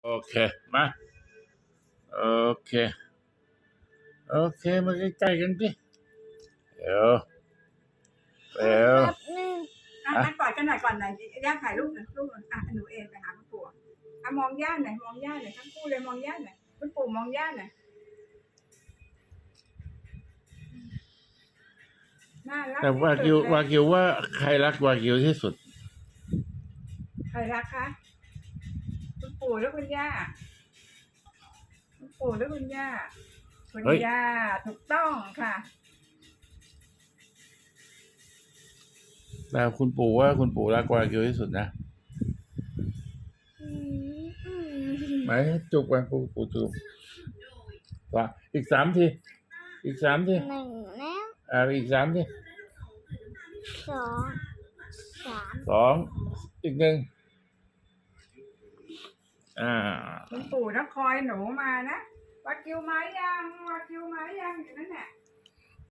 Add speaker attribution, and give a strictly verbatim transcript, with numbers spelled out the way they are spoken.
Speaker 1: โอเคมาโอเคโอเคมาใกล้ๆกันสิเดี๋ยวเดี๋ยว
Speaker 2: แป๊บนึง
Speaker 3: อ่ะอ่ะกอดกันหน่อยก่อนหน่อยย่าถ่ายรูปหน่อยรูปหน่อยอ่ะหนูเองไปหาคุณปู่อ่ะมองย่าหน่อยมองย่าหน่อยทั้งคู่เลยมองย่าหน่อยคุณปู่มองย่าหน่อยน่ารัก
Speaker 1: แต่วา
Speaker 3: ที่
Speaker 1: กิว
Speaker 3: สุดเล
Speaker 1: วาย กิวว่าใครรักวากิวที่สุด
Speaker 3: ใครรักคะคุณปู่หรือคุณย่าคุณปู่หรือคุณย่าคุณ
Speaker 1: เฮ้ย
Speaker 3: ย่าถูกต้องค่ะ
Speaker 1: แต่คุณปู่ว่าคุณปู่รักวากิวที่สุดนะ
Speaker 2: อืมอืม
Speaker 1: ไหมจุกวาปู่ปู่จุกว่าอีกสามทีอีกสามที
Speaker 2: หนึ่งแล้ว
Speaker 1: อ่าอีกสามที
Speaker 2: สองสาม
Speaker 1: สองอีกหนึ่งอ่า
Speaker 3: คุณปู่ต้องคอยหนูมานะวากิวมายังวากิวมา